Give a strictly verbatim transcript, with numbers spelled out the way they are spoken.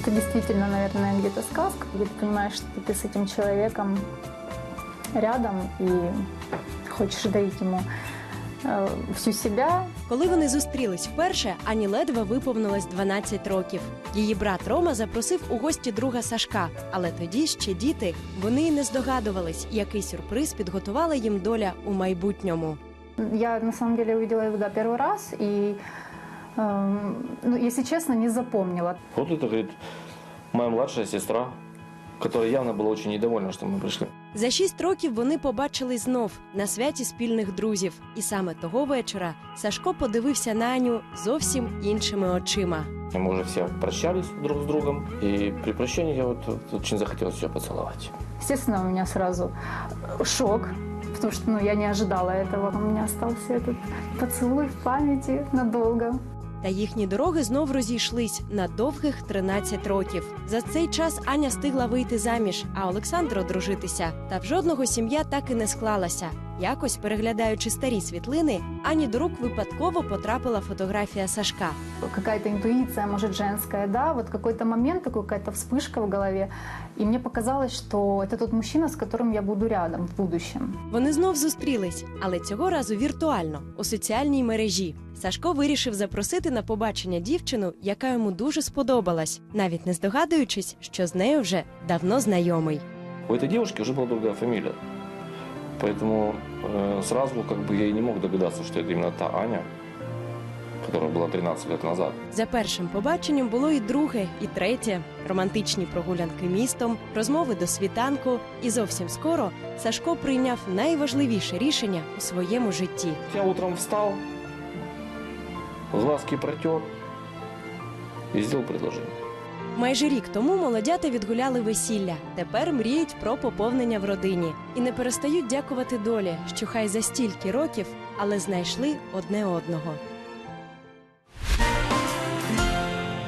Это действительно, наверное, где-то сказка, где ты понимаешь, что ты с этим человеком рядом и хочешь дарить ему э, всю себя. Коли вони зустрілись вперше, Ані ледве виповнилось дванадцять років. Її брат Рома запросив у гості друга Сашка. Але тоді ще діти, вони й не здогадувались, який сюрприз підготувала їм доля у майбутньому. Я, на самом деле, увидела его да, первый раз и, э, ну, если честно, не запомнила. Вот это, говорит, моя младшая сестра, которая явно была очень недовольна, что мы пришли. За шість років вони побачились знов на святі спільних друзів. І саме того вечора Сашко подивився на Аню зовсім іншими очима. Мы уже все прощались друг с другом, и при прощании я вот, вот очень захотелось ее поцеловать. Естественно, у меня сразу шок, потому что ну, я не ожидала этого. У меня остался этот поцелуй в памяти надолго. Та їхні дороги знов розійшлись на довгих тринадцять років. За цей час Аня встигла вийти заміж, а Олександр одружитися. Та в жодного сім'я так і не склалася. Якось, переглядаючи старі світлини, Ані до рук випадково потрапила фотографія Сашка. Какая-то интуиция, может, женская, да, вот какой-то момент, такой, какая-то вспышка в голове. И мне показалось, что это тот мужчина, с которым я буду рядом в будущем. Вони знов зустрілись, але цього разу віртуально, у соціальній мережі. Сашко вирішив запросити на побачення дівчину, яка йому дуже сподобалась, навіть не здогадуючись, що з нею вже давно знайомий. У этой девушки уже была другая фамилия. Поэтому э, сразу как бы я и не мог догадаться, что это именно та Аня, которая была тринадцать лет назад. За першим побаченням було і друге, і третє. Романтичні прогулянки містом, розмови до світанку. І зовсім скоро Сашко прийняв найважливіше рішення у своєму житті. Я утром встал, глазки протер и сделал предложение. Майже рік тому молодята відгуляли весілля. Тепер мріють про поповнення в родині. І не перестають дякувати долі, що хай за стільки років, але знайшли одне одного.